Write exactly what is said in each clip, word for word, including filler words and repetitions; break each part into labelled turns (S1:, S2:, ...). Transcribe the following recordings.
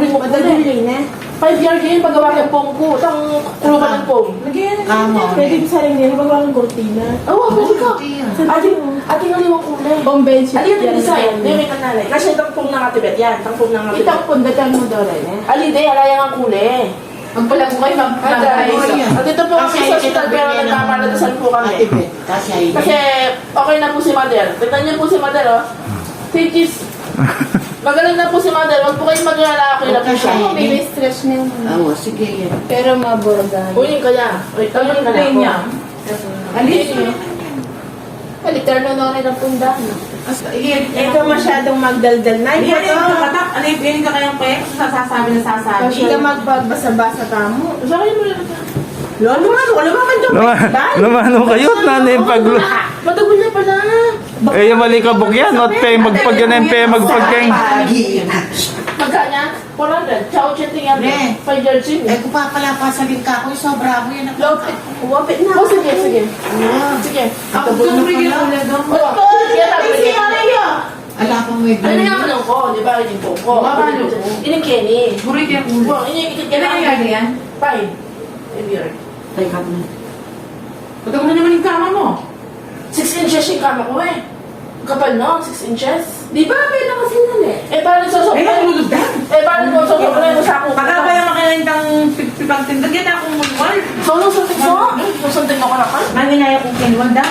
S1: mo
S2: Madali rin eh.
S1: Five year game, paggawa ng pong ko. Tang kulo ka ng pong.
S2: Lagyan na
S3: Kamo.
S2: Pwede sa rin din, magawa ng kortina.
S1: Oo, pwede ka.
S3: Ate,
S1: Ating, ating aliwang kulay.
S2: Bombay sheet.
S1: Ali yung design, di may kanalay. Kasi itang pong nangatibet yan. Itang pong nangatibet.
S2: Itang pundatan mo daw rin eh.
S1: Ali, di, alayang ang kulay.
S2: Magpala ko kayo
S1: Ay, guys. At ito po kami sa hospital pero nagmamaladasan po kami.
S3: Kasi ay
S1: Kasi okay na po si Mother. Tignan niyo po si Mother, oh. Teaches. Magaling na po si Mother. Huwag po kayong mag-alala. Okay na po siya.
S2: Ako, may stress na yun.
S3: Oo, sige yan.
S2: Pero maburgan.
S1: Kunin ka niya. Wait, kunin ka
S2: Play niya.
S1: na.
S2: Alis niyo. Balitar na na rin ang pundahan. Ikaw masyadong magdaldal na.
S4: Hindi, hindi ka katak. Ano yung piling ka kayang pek? Sasasabi na sasabi.
S2: Hindi ka magbabasa-basa ka mo.
S1: Sa akin mo lang.
S4: Lolo, ano? Wala ba man dyan?
S5: Lumano kayo, nanay paglo.
S1: Matagal niya pala.
S5: Eh, yung mali ka bukyan, not pay, magpagyan pay, magpagyan.
S3: Pagi.
S1: Magkanya? four hundred. Ciao, chatting yan.
S3: Ne.
S1: five years yun.
S3: Eh, kung papalapasalin ka ako, sobra ako yan.
S1: Lopit. Wapit na. Oh, sige, sige. Sige.
S3: Ako doon na pala.
S1: Oh, sige, sige.
S3: Ala kong may
S1: Ano nga manong ko, di ba? Yung po ko.
S4: Mabalo ko.
S1: Ining Kenny.
S4: Burit yung ulo.
S1: Oh, ining ikit ka
S4: Kaya
S1: na.
S4: nangyari yan?
S1: Five. Five year.
S3: Teka mo.
S4: Pagka mo na naman yung kama mo.
S1: Six inches yung kama ko eh. Kapal no? Six inches. Di ba? May lang kasi nun eh. Eh, paano sa
S4: Eh,
S1: sobrang?
S4: natulog na.
S1: Eh, paano sa sobrang mo sa ako?
S4: Pagka ba yung makinain kang pipang tindag yan akong mulwal.
S1: So, nung suntik mo? Nung suntik mo ka na ka?
S4: Manginaya kong kinuwan dam.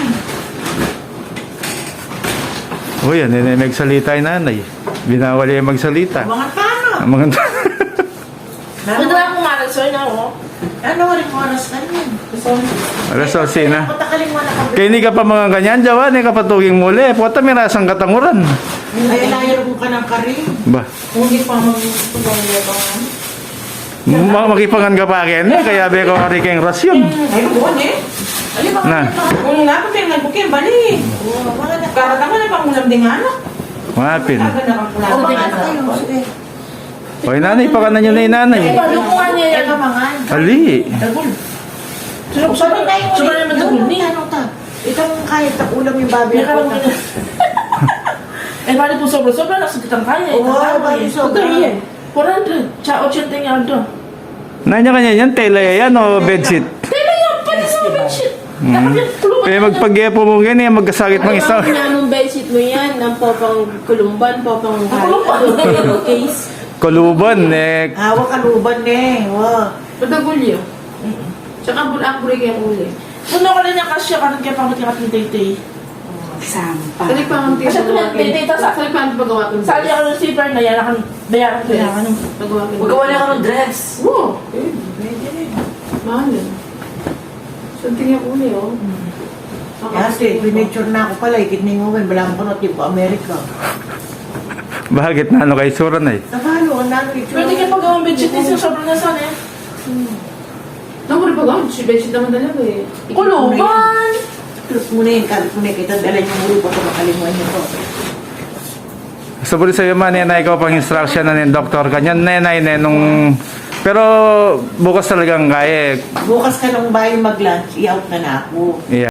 S5: O yan, eh, magsalita yung nanay. Binawali yung magsalita.
S4: Mga paano?
S5: Ang mga...
S1: Pwede na akong malag sa'yo na ako.
S3: Ano, rin oras ka rin.
S5: Alas osi na.
S3: Patakaling mo na kami.
S5: Kaya hindi ka pa mga ganyan, Jawa, hindi ka patuging muli. Puta, may rasang katanguran.
S3: Ay, layar mo ka ng karin.
S5: Ba,
S4: Kung hindi pa mag-tubang yabangan.
S5: ma- makipangan ka pa akin eh, kaya be ko kariking rasyon.
S4: Ay, buwan eh. Ay, baka
S5: Na.
S4: kung nga pa pinag bukin, bali. Karata ka na pangulam din nga, no?
S5: Mapin.
S4: Aga na kang
S3: O,
S4: kulang.
S3: mga na kayo. Sige.
S5: Oy, nanay, pakanan nyo na yung nanay.
S1: Eh, paano ko nga niya yan?
S3: Eka, mangan.
S5: Ali.
S4: Dagol.
S1: Sino ko sabi tayo? Sino naman dagol ni?
S3: Ano ta? Itong kahit na ulam yung babi
S1: May
S3: ako.
S1: kalang Eh, paano po sobra-sobra? Nakasagitang kaya eh.
S3: Oo, bali sobra.
S1: Ito yan. four hundred. Ciao, chatting yan doon.
S5: Nanya kanya yan, tela yan o bedsheet.
S1: Tela yan! Pwede sa bedsheet. Dapat yung tuluban
S5: Kaya
S1: yan.
S5: magpagyepo mo yan eh, magkasakit mang isa.
S2: Ang nanong bedsheet mo yan, ng popang kulumban, popang
S1: kulumban?
S2: Ano, case.
S5: Kuluban eh.
S3: Hawak kaluban eh. Wow.
S4: Padagulyo. Tsaka bulang bulig yung uli.
S1: Puno ko rin yung kasya karon kaya pamit ka kating tay-tay.
S3: Sampa.
S4: Salik pa ang
S1: Kasi kung tay-tay ta sa
S4: Salik pa ang pagawa ko.
S1: Sali ako ng zipper na yan, akan bayaran ko yan. Ano?
S4: Pagawa ko.
S1: Magawa niya ako ng dress.
S4: Oo. Mahal yun. Sunting yung uli, oh.
S3: Kasi, pinitsure na ako pala. Ikit na yung uwan. Balang ko na tipo Amerika.
S5: Bakit na ano kay Sura na eh?
S3: Nabalo, ang nano itsure.
S1: Pwede kayo pagawang bedsheet ni Sir sobrang nasan eh.
S4: Naku, pagawa. Si Bedsheet naman talaga eh.
S1: Kuluban!
S3: Plus muna yun. Kalit muna kita. Dala niyo muli pa ito. Makalimuan niyo to.
S5: Sabi sa iyo man, nenay ko pang instruction na ng doktor kanyan, nenay, nenong... Pero bukas talagang kaya eh.
S3: Bukas ka nung bayo mag-lunch. I-out na na ako.
S5: Yeah.